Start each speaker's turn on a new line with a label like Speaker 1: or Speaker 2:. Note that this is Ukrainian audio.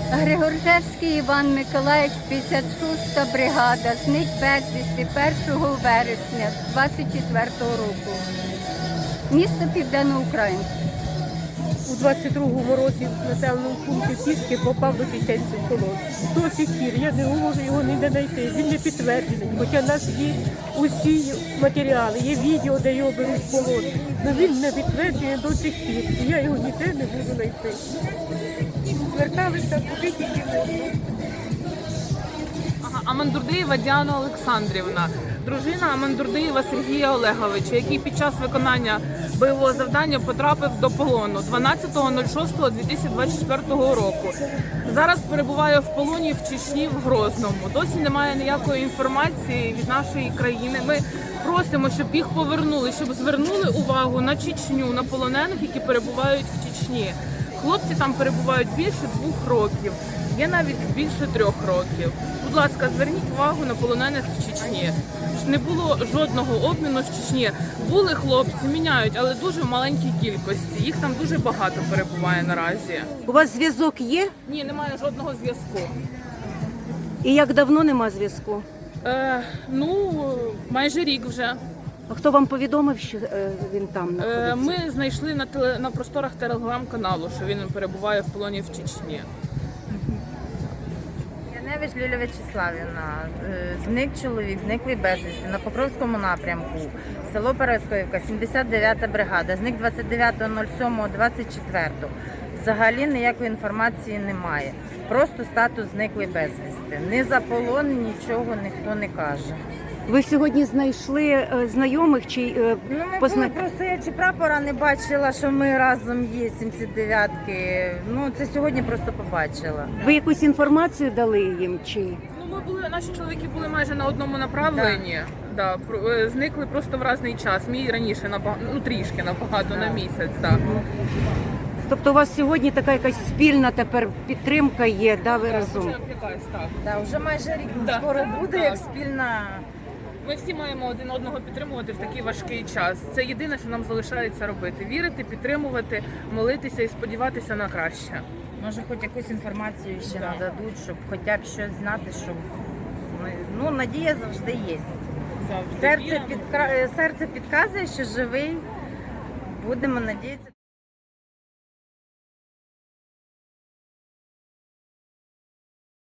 Speaker 1: Григоржевський Іван Миколаївич, 56-та бригада, зник безвісти 1 вересня 24-го року. Місто Південноукраїнське.
Speaker 2: У 22-му році в населеному пункті Піски попав до чеченців в полон. До сих пір я не можу його ніде знайти, він не підтверджений, хоча в нас є усі матеріали, є відео, де його беруть в полон. Але він не підтверджений до сих пір, і я його ніде не можу знайти. Зверталися куди тільки можна.
Speaker 3: Амандурдиєва Діана Олександрівна, дружина Амандурдиєва Сергія Олеговича, який під час виконання бойового завдання потрапив до полону 12.06.2024 року. Зараз перебуває в полоні в Чечні, в Грозному. Досі немає ніякої інформації від нашої країни. Ми просимо, щоб їх повернули, щоб звернули увагу на Чечню, на полонених, які перебувають в Чечні. Хлопці там перебувають більше 2 років, є навіть більше 3 років. Будь ласка, зверніть увагу на полонених в Чечні. Не було жодного обміну з Чечні. Були хлопці, міняють, але дуже в маленькій кількості. Їх там дуже багато перебуває наразі.
Speaker 4: У вас зв'язок є?
Speaker 3: Ні, немає жодного зв'язку.
Speaker 4: І як давно нема зв'язку?
Speaker 3: Майже рік вже.
Speaker 4: А хто вам повідомив, що він там знаходиться?
Speaker 3: Ми знайшли на просторах телеграм-каналу, що він перебуває в полоні в Чечні.
Speaker 5: Яневич Лілія Вячеславівна, зник чоловік, зниклий безвісти на Покровському напрямку, село Параскоївка, 79-та бригада, зник 29.07.24. Взагалі ніякої інформації немає. Просто статус зниклий безвісти. Ні за полон, нічого ніхто не каже.
Speaker 4: Ви сьогодні знайшли знайомих чи
Speaker 5: Ми були, просто я чи прапора не бачила, що ми разом є, 79-ки. Це сьогодні просто побачила.
Speaker 4: Ви якусь інформацію дали їм чи?
Speaker 3: Наші чоловіки були майже на одному направленні. Да, зникли просто в різний час. Мій раніше трішки набагато на місяць. Да.
Speaker 4: Тобто у вас сьогодні така якась спільна тепер підтримка є, да, ви разом?
Speaker 3: Вже якась, так.
Speaker 5: Вже майже рік скоро буде, як спільна.
Speaker 3: Ми всі маємо один одного підтримувати в такий важкий час. Це єдине, що нам залишається робити. Вірити, підтримувати, молитися і сподіватися на краще.
Speaker 5: Може, хоч якусь інформацію ще нададуть, щоб хоча б щось знати, щоб надія завжди є. Серце підказує, що живий. Будемо надіятися.